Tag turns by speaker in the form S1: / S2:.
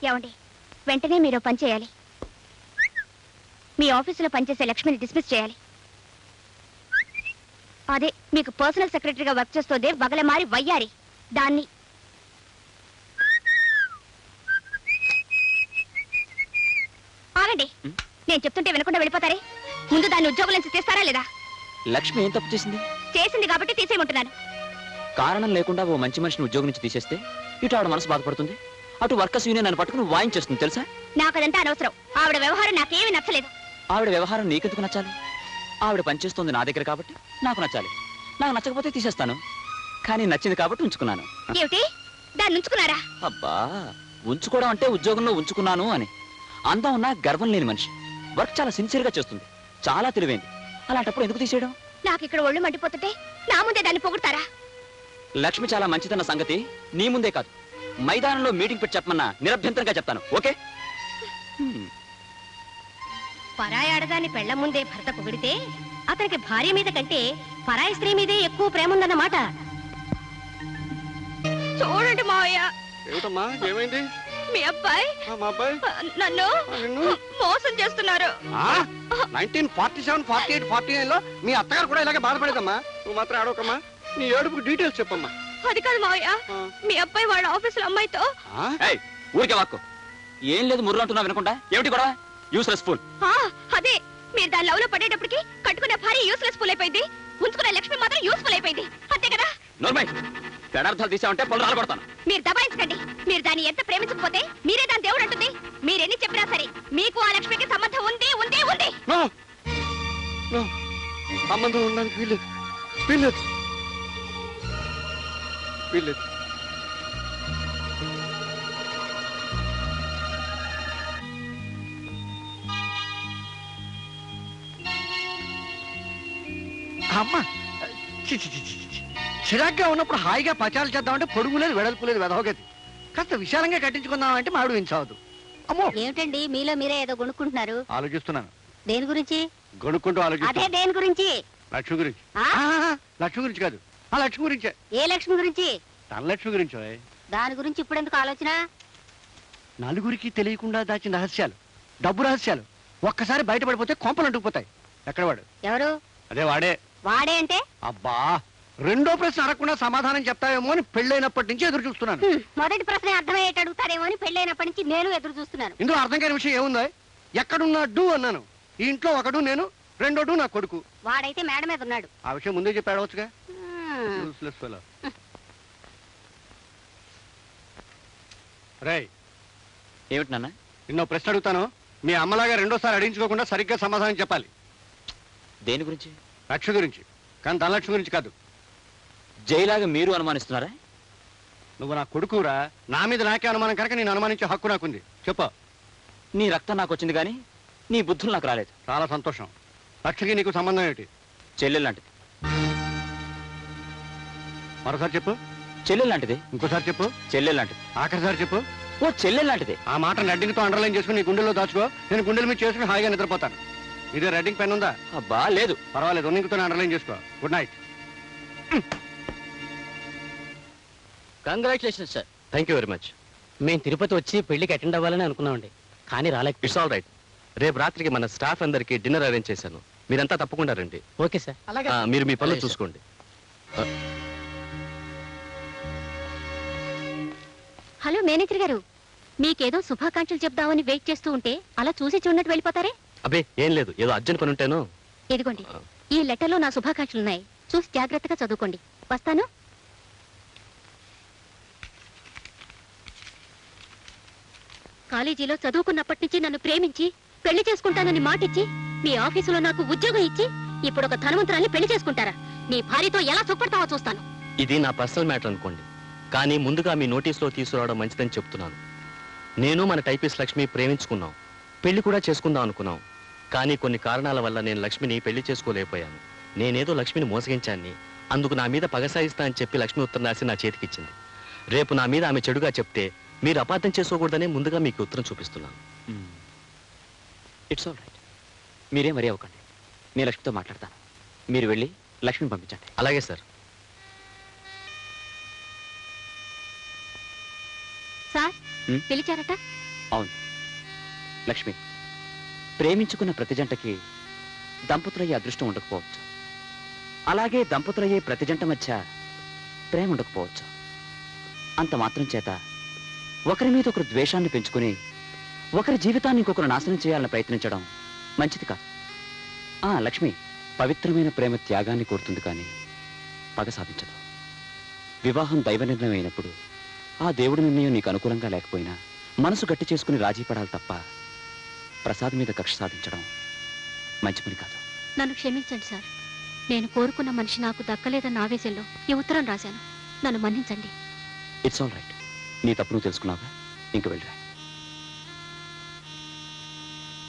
S1: ఏమండి, వెంటనే మీరు పని చేయాలి. మీ ఆఫీసులో పనిచేసే లక్ష్మిని డిస్మిస్ చేయాలి. అదే మీకు పర్సనల్ సెక్రటరీగా వర్క్ చేస్తోంది వగలమారి వయ్యారి, దాన్ని. ఆగండి, నేను చెప్తుంటే వినకుండా వెళ్ళిపోతారే. ముందు దాన్ని ఉద్యోగం నుంచి తీస్తారా లేదా?
S2: లక్ష్మి ఏం తప్పు చేసింది?
S1: చేసింది కాబట్టి తీసేయమంటున్నాను.
S2: కారణం లేకుండా ఓ మంచి మనిషిని ఉద్యోగం నుంచి తీసేస్తే ఇటు ఆవిడ మనసు బాధపడుతుంది, అటు వర్కర్స్ యూనియన్ నన్ను పట్టుకుని వాయించేస్తుంది తెలుసా?
S1: నాకు అదంతా అనవసరం. ఆవిడ వ్యవహారం నాకేమీ నచ్చలేదు.
S2: ఆవిడ వ్యవహారం నీకెందుకు నచ్చాలి? ఆవిడ పనిచేస్తుంది నా దగ్గర కాబట్టి నాకు నచ్చాలి. నాకు నచ్చకపోతే తీసేస్తాను, కానీ నచ్చింది కాబట్టి ఉంచుకున్నాను.
S1: ఏమిటి, దాన్ని ఉంచుకున్నారా?
S2: అబ్బా, ఉంచుకోవడం అంటే ఉద్యోగంలో ఉంచుకున్నాను అని. అందం ఉన్నా గర్వం లేని మనిషి, వర్క్ చాలా సిన్సియర్ గా చేస్తుంది, చాలా తెలివైంది. అలాంటప్పుడు ఎందుకు తీసేయడం?
S1: నాకు ఇక్కడ ఒళ్ళు మండిపోతుంటే నా ముందే దాన్ని పొగుడతారా?
S2: లక్ష్మి చాలా మంచిదన్న సంగతి నీ ముందే కాదు, మైదానంలో మీటింగ్ పెట్టి చెప్పమన్నా నిరభ్యంతరంగా చెప్తాను. ఓకే?
S1: పరాయి ఆడదాన్ని పెళ్ల ముందే భర్త పొగిడితే అతనికి భార్య మీద కంటే పరాయి స్త్రీ మీదే ఎక్కువ ప్రేమ ఉందన్నమాట. చూడండి మావయ్య.
S3: ఏమిటమ్మా, ఏమైంది?
S1: మీ అబ్బాయి నన్ను మోసం చేస్తున్నారు.
S3: 1947, 48, 49 లో మీ అత్తగారు కూడా ఇలాగే బాధపడేదమ్మా. నువ్వు మాత్రం ఆడవకమ్మా, నీ ఏడుపుకి డీటెయిల్స్ చెప్పమ్మా.
S1: అది కాదు మావయ్య, మీ అబ్బాయి వాళ్ళ ఆఫీసులో అమ్మాయితో.
S2: ఊరికే వాక్కు, ఏం లేదు ముర్రు అంటున్నా వినకుండా. ఏమిటి కూడా యూస్లెస్ ఫుల్.
S1: అదే, మీరు దాని లవ్ లో పడేటప్పటికి కట్టుకునే భార్య యూస్లెస్ ఫుల్ అయిపోయింది, ఉంచుకునే లక్ష్మి మాత్రం యూస్ఫుల్ అయిపోయింది. అంతే కదా?
S2: నోర్మై, పెడార్థాలు తీసామంటే పళ్ళు రాలబడతాను.
S1: మీరు దబాయించకండి. మీరు దాన్ని ఎంత ప్రేమించకపోతే మీరే దాని దేవుడు అంటుంది. మీరెన్ని చెప్పినా సరే మీకు ఆ లక్ష్మికి సంబంధం ఉంది ఉంది ఉంది.
S3: సంబంధం ఉండడానికి వీల్లేదు, వీల్లేదు, వీల్లేదు. అమ్మా, చిరాగ్గా ఉన్నప్పుడు హాయిగా పచాలు చేద్దామంటే పొడుగు లేదు, వెడల్పు లేదు, వెదవగతి. కాస్త విశాలంగా కట్టించుకుందామంటే మాడు వించవద్దు. అమ్మో,
S1: ఏమిటండి మీలో మీరే ఏదో కొనుక్కుంటున్నారు?
S3: ఆలోచిస్తున్నాను.
S1: దేని గురించి?
S3: కొనుక్కుంటూ
S1: అదే
S3: ఆలోచిస్తాను.
S1: దేని గురించి?
S3: లక్ష్మి గురించి. లక్ష్మి గురించి కాదు, ఆ లక్ష్మి గురించే.
S1: ఏ లక్ష్మి గురించి?
S3: తన లక్ష్మి గురించో.
S1: దాని గురించి ఇప్పుడు ఎందుకు ఆలోచన?
S3: నలుగురికి తెలియకుండా దాచిన రహస్యాలు, డబ్బు రహస్యాలు ఒక్కసారి బయటపడిపోతే కొంపలు అంటుకుపోతాయి. ఎక్కడ వాడు?
S1: ఎవరు?
S3: అదే వాడే.
S1: వాడే అంటే?
S3: అబ్బా, రెండో ప్రశ్న అడగకుండా సమాధానం చెప్తావేమో అని పెళ్ళైనప్పటి నుంచి ఎదురు చూస్తున్నాను.
S1: మొదటి ప్రశ్న అర్థమయ్యేట అడుగుతారేమో అని పెళ్ళైనప్పటి నుంచి నేను ఎదురు చూస్తున్నాను.
S3: ఇందులో అర్థం కాని విషయం ఏముందో? ఎక్కడున్నాడు అన్నాను. ఈ ఇంట్లో ఒకడు నేను, రెండోడు నా కొడుకు.
S1: వాడైతే మేడ మీద ఉన్నాడు.
S3: ఆ విషయం ముందే చెప్పి అడవచ్చుగా. రేయ్,
S2: ఏమిటి నాన్న?
S3: నిన్నో ప్రశ్న అడుగుతాను, మీ అమ్మలాగా రెండోసారి అడిగించుకోకుండా సరిగ్గా సమాధానం చెప్పాలి.
S2: దేని గురించి?
S3: లక్ష్మి గురించి, కానీ ధనలక్ష్మి గురించి కాదు.
S2: జైలాగా మీరు అనుమానిస్తున్నారా?
S3: నువ్వు నా కొడుకురా, నా మీద నాకే అనుమానం కనుక నేను అనుమానించే హక్కు నాకుంది. చెప్పు.
S2: నీ రక్తం నాకు వచ్చింది కానీ నీ బుద్ధులు నాకు రాలేదు.
S3: చాలా సంతోషం. లక్ష్మికి నీకు సంబంధం ఏమిటి?
S2: చెల్లెలు లాంటిది.
S3: మరోసారి చెప్పు.
S2: చెల్లెలు లాంటిది.
S3: ఇంకోసారి చెప్పు.
S2: చెల్లెలు లాంటిది.
S3: ఆఖరిసారి చెప్పు.
S2: ఓ చెల్లెలు లాంటిది.
S3: ఆ మాట రెడ్డింగ్తో అండర్లైన్ చేసుకుని నీ గుండెల్లో దాచుకో. నేను గుండెల మీద చేసుకుని హాయిగా నిద్రపోతాను. ఇదే రెడ్డింగ్ పెన్ ఉందా?
S2: అబ్బా లేదు.
S3: పర్వాలేదు, ఉన్నింగ్తో అండర్లైన్ చేసుకో. Good night.
S4: Congratulations sir.
S5: Thank you very much.
S4: మేము తిరుపతి వచ్చి పెళ్లికి అటెండ్ అవ్వాలని అనుకున్నామండి, కానీ రాలేక.
S5: It's all right. రేపు రాత్రికి మన స్టాఫ్ అందరికి డిన్నర్ అరేంజ్ చేశాను, మీరంతా తప్పకుండా రండి.
S4: Okay sir.
S5: మీరు మీ పనులు చూసుకోండి.
S1: హలో మేనేజర్ గారు, మీకేదో శుభాకాంక్షలు చెప్దామని వెయిట్ చేస్తూ ఉంటే అలా చూసి చూడనట్టు వెళ్ళిపోతారే?
S5: అబ్బే ఏం లేదు, ఏదో అర్జెంట్ పని ఉంటేను.
S1: ఇదిగోండి, ఈ లెటర్లో నా శుభాకాంక్షలున్నాయి, చూసి జాగ్రత్తగా చదువుకోండి. వస్తాను. కాలేజీలో చదువుకున్నప్పటి నుంచి నన్ను ప్రేమించి పెళ్లి చేసుకుంటానని మాటిచ్చి మీ ఆఫీసులో నాకు ఉద్యోగం ఇచ్చి ఇప్పుడు ఒక ధనవంతురాల్ని పెళ్లి చేసుకుంటారా? నీ భార్యతో ఎలా సుఖపడతావో చూస్తాను.
S5: ఇది నా పర్సనల్ మ్యాటర్ అనుకోండి, కానీ ముందుగా మీ నోటీస్లో తీసుకురావడం మంచిదని చెప్తున్నాను. నేను మన టైపిస్ట్ లక్ష్మి ప్రేమించుకున్నాం, పెళ్లి కూడా చేసుకుందాం అనుకున్నాం. కానీ కొన్ని కారణాల వల్ల నేను లక్ష్మిని పెళ్లి చేసుకోలేకపోయాను. నేనేదో లక్ష్మిని మోసగించాన్ని, అందుకు నా మీద పగ సాయిస్తా అని చెప్పి లక్ష్మి ఉత్తరం రాసి నా చేతికిచ్చింది. రేపు నా మీద ఆమె చెడుగా చెప్తే మీరు అపార్థం చేసుకోకూడదనే ముందుగా మీకు ఉత్తరం చూపిస్తున్నాను.
S2: It's all right. మీరే మరీ అవ్వకండి, నేను లక్ష్మితో మాట్లాడతాను. మీరు వెళ్ళి లక్ష్మిని పంపించండి.
S5: అలాగే సార్.
S1: సార్ పిలిచారట?
S2: అవును లక్ష్మి, ప్రేమించుకున్న ప్రతి జంటకి దంపతులయ్యే అదృష్టం ఉండకపోవచ్చు. అలాగే దంపతులయ్యే ప్రతి జంట మధ్య ప్రేమ ఉండకపోవచ్చు. అంత మాత్రం చేత ఒకరి మీద ఒకరు ద్వేషాన్ని పెంచుకుని ఒకరి జీవితాన్ని ఇంకొకరు నాశనం చేయాలని ప్రయత్నించడం మంచిది కాదు. లక్ష్మి, పవిత్రమైన ప్రేమ త్యాగాన్ని కోరుతుంది కానీ పగ సాధించదు. వివాహం దైవ నిర్ణయం అయినప్పుడు ఆ దేవుడి నిర్ణయం నీకు అనుకూలంగా లేకపోయినా మనసు గట్టి చేసుకుని రాజీ పడాలి తప్ప ప్రసాద్ మీద కక్ష సాధించడం మంచి పని కాదు.
S1: నన్ను క్షమించండి సార్. నేను కోరుకున్న మనిషి నాకు దక్కలేదన్న ఆవేశంలో ఈ ఉత్తరం రాశాను. నన్ను మన్నించండి.
S2: It's all right. నీ తప్పు నువ్వు తెలుసుకున్నావా? ఇంక వెళ్ళరా.